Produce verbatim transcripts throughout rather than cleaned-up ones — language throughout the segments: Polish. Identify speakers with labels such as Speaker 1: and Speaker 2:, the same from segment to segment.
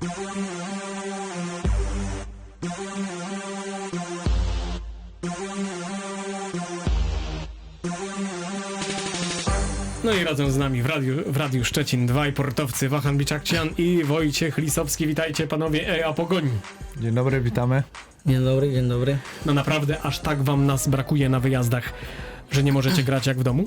Speaker 1: No i razem z nami w Radiu, w Radiu Szczecin dwaj portowcy, Wahan Biczakcian i Wojciech Lisowski. Witajcie panowie E A Pogoń.
Speaker 2: Dzień dobry, witamy.
Speaker 3: Dzień dobry, dzień dobry.
Speaker 1: No naprawdę aż tak wam nas brakuje na wyjazdach, że nie możecie grać jak w domu?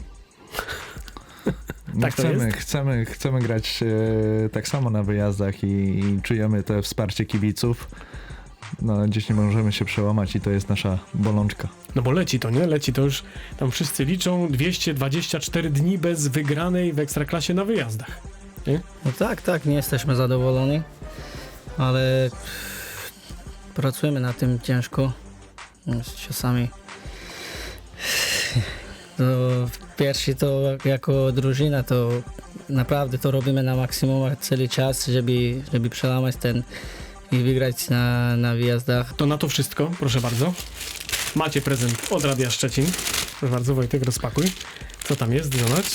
Speaker 2: No
Speaker 1: Tak to
Speaker 2: chcemy,
Speaker 1: jest?
Speaker 2: chcemy, chcemy grać e, tak samo na wyjazdach i, i czujemy to wsparcie kibiców. No ale gdzieś nie możemy się przełamać i to jest nasza bolączka.
Speaker 1: No bo leci to, nie? Leci to już, tam wszyscy liczą dwieście dwadzieścia cztery dni bez wygranej w Ekstraklasie na wyjazdach. Nie?
Speaker 3: No tak, tak, nie jesteśmy zadowoleni, ale pracujemy nad tym ciężko. Czasami to pierwszy to jako drużyna to naprawdę to robimy na maksimum cały czas, żeby, żeby przełamać ten i wygrać na, na wyjazdach.
Speaker 1: To na to wszystko, proszę bardzo. Macie prezent od Radia Szczecin. Proszę bardzo, Wojtek, rozpakuj. Co tam jest? Zobacz.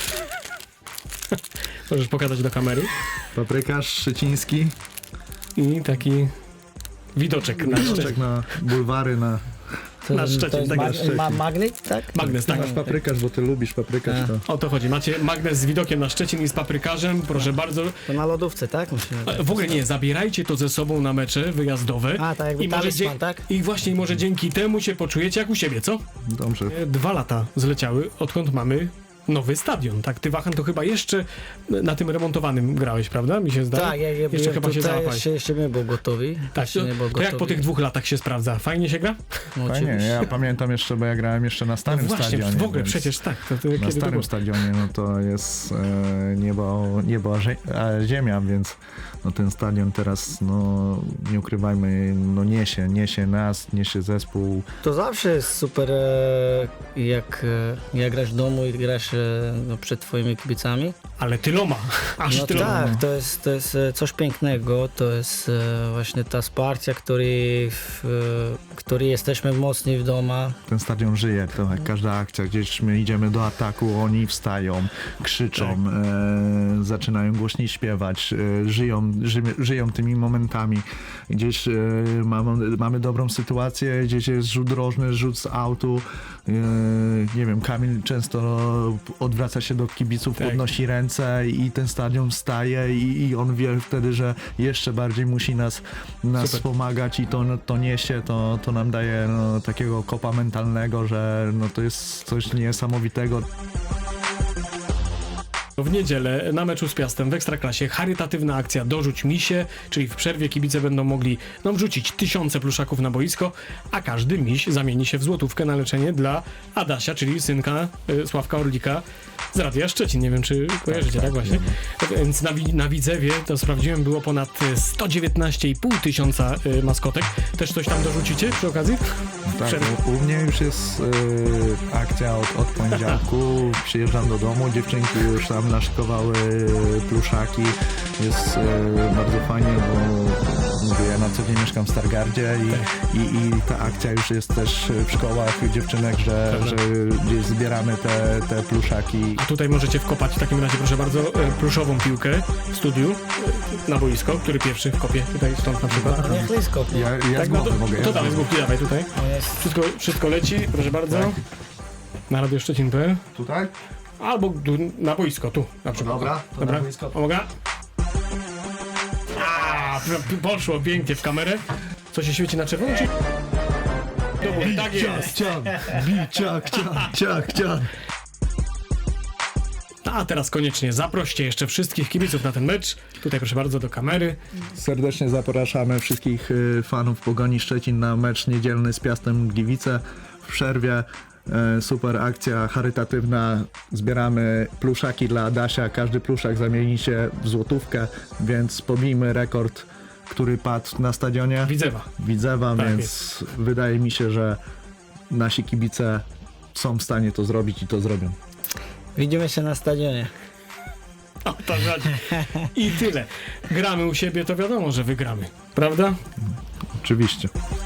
Speaker 1: Możesz pokazać do kamery.
Speaker 2: Paprykarz szczeciński.
Speaker 1: I taki widoczek na Szczecin.
Speaker 2: Widoczek na bulwary, na...
Speaker 3: To,
Speaker 1: Na Szczecin,
Speaker 3: to jest
Speaker 1: tak
Speaker 3: ma,
Speaker 1: jest.
Speaker 3: ma, magnet, tak?
Speaker 1: Magnes, tak.
Speaker 2: Masz paprykarz, bo ty lubisz paprykarz. To...
Speaker 1: O to chodzi. Macie magnes z widokiem na Szczecin i z paprykarzem. Proszę bardzo.
Speaker 3: To na lodówce, tak? Myślę,
Speaker 1: E, W ogóle nie, zabierajcie to ze sobą na mecze wyjazdowe.
Speaker 3: A, tak jakby
Speaker 1: I może,
Speaker 3: talisman,
Speaker 1: dzie-
Speaker 3: tak?
Speaker 1: I właśnie może dzięki temu się poczujecie jak u siebie, co?
Speaker 2: Dobrze.
Speaker 1: E, Dwa lata zleciały, odkąd mamy nowy stadion. Tak, ty, Wahan, to chyba jeszcze na tym remontowanym grałeś, prawda? Mi się zdaje.
Speaker 3: Tak, ja, ja
Speaker 1: jeszcze
Speaker 3: byłem
Speaker 1: chyba się
Speaker 3: tutaj,
Speaker 1: załapałeś.
Speaker 3: jeszcze, jeszcze nie był gotowy.
Speaker 1: Tak,
Speaker 3: Jeszcze
Speaker 1: to,
Speaker 3: nie był
Speaker 1: to jak po
Speaker 3: gotowy.
Speaker 1: tych dwóch latach się sprawdza? Fajnie się gra?
Speaker 3: No,
Speaker 2: Fajnie,
Speaker 3: oczywiście.
Speaker 2: ja pamiętam jeszcze, bo ja grałem jeszcze na
Speaker 1: No
Speaker 2: starym
Speaker 1: właśnie,
Speaker 2: stadionie.
Speaker 1: w ogóle
Speaker 2: więc
Speaker 1: przecież tak. To, to
Speaker 2: Na
Speaker 1: kiedy to
Speaker 2: starym
Speaker 1: było?
Speaker 2: stadionie no to jest e, niebo, niebo a, zie- a ziemia, więc no ten stadion teraz, no nie ukrywajmy, no niesie, niesie nas, niesie zespół.
Speaker 3: To zawsze jest super, e, jak, e, jak grasz w domu i grasz e, no, przed twoimi kibicami.
Speaker 1: Ale tyloma. Aż
Speaker 3: No
Speaker 1: tyloma.
Speaker 3: tak, to jest, to jest e, coś pięknego, to jest e, właśnie ta wsparcie, który, w, e, który jesteśmy mocni w domu.
Speaker 2: Ten stadion żyje, to jak każda akcja, gdzieś my idziemy do ataku, oni wstają, krzyczą, e, zaczynają głośniej śpiewać, e, żyją, ży, żyją tymi momentami. Gdzieś e, mamy, mamy dobrą sytuację, gdzieś jest rzut rożny, rzut z autu, e, nie wiem, Kamil często odwraca się do kibiców,
Speaker 1: Tak.
Speaker 2: podnosi ręce i ten stadion wstaje i, i on wie wtedy, że jeszcze bardziej musi nas, nas
Speaker 1: Super.
Speaker 2: wspomagać i to, no, to niesie, to, to nam daje no, takiego kopa mentalnego, że no, to jest coś niesamowitego.
Speaker 1: W niedzielę na meczu z Piastem w Ekstraklasie charytatywna akcja Dorzuć misie, czyli w przerwie kibice będą mogli no, wrzucić tysiące pluszaków na boisko, a każdy miś zamieni się w złotówkę na leczenie dla Adasia, czyli synka y, Sławka Orlika z Radia Szczecin. Nie wiem, czy kojarzycie, tak,
Speaker 2: tak,
Speaker 1: właśnie? Więc na, Wi- na Widzewie, to sprawdziłem, było ponad y, sto dziewiętnaście i pół tysiąca y, maskotek. Też coś tam dorzucicie przy okazji?
Speaker 2: Tak,
Speaker 1: Przerwy.
Speaker 2: u, u mnie już jest y, akcja od, od poniedziałku, przyjeżdżam do domu, dziewczynki już tam naszykowały pluszaki, jest y, bardzo fajnie, bo mówię, ja na co dzień mieszkam w Stargardzie i, i, i ta akcja już jest też w szkołach dziewczynek, że,
Speaker 1: Prawda.
Speaker 2: że gdzieś zbieramy te, te pluszaki.
Speaker 1: A tutaj możecie wkopać w takim razie, proszę bardzo, y, pluszową piłkę w studiu y, na boisko, który pierwszy wkopie tutaj stąd na przykład.
Speaker 3: A niech Lisko.
Speaker 2: Ja, ja
Speaker 1: Tak,
Speaker 2: z
Speaker 1: no
Speaker 2: głowy
Speaker 1: to,
Speaker 2: mogę. ja
Speaker 1: to
Speaker 2: z
Speaker 1: dawaj z
Speaker 2: głowy.
Speaker 1: główki, dawaj tutaj.
Speaker 3: On jest
Speaker 1: Wszystko, wszystko leci, proszę bardzo.
Speaker 2: Tak.
Speaker 1: Na Radio Szczecin kropka p l.
Speaker 2: Tutaj?
Speaker 1: Albo tu, na boisko, tu na przykład.
Speaker 2: Dobra, to
Speaker 1: Dobra.
Speaker 2: na boisko.
Speaker 1: Uwaga. A, p- poszło pięknie w kamerę. Co się świeci na czerwono? Czy... Dobra, tak jest.
Speaker 2: Ciach, ciach, ciach, ciach, ciach.
Speaker 1: A teraz koniecznie zaproście jeszcze wszystkich kibiców na ten mecz. Tutaj proszę bardzo do kamery.
Speaker 2: Serdecznie zapraszamy wszystkich y, fanów Pogoni Szczecin na mecz niedzielny z Piastem Gliwice w przerwie. E, Super akcja charytatywna. Zbieramy pluszaki dla Adasia. Każdy pluszak zamieni się w złotówkę, więc pobijmy rekord, który padł na stadionie
Speaker 1: Widzewa.
Speaker 2: Widzewa,
Speaker 1: Tak
Speaker 2: więc wydaje mi się, że nasi kibice są w stanie to zrobić i to zrobią.
Speaker 3: Widzimy się na stadionie.
Speaker 1: O to chodzi. I tyle. Gramy u siebie, to wiadomo, że wygramy. Prawda?
Speaker 2: Oczywiście.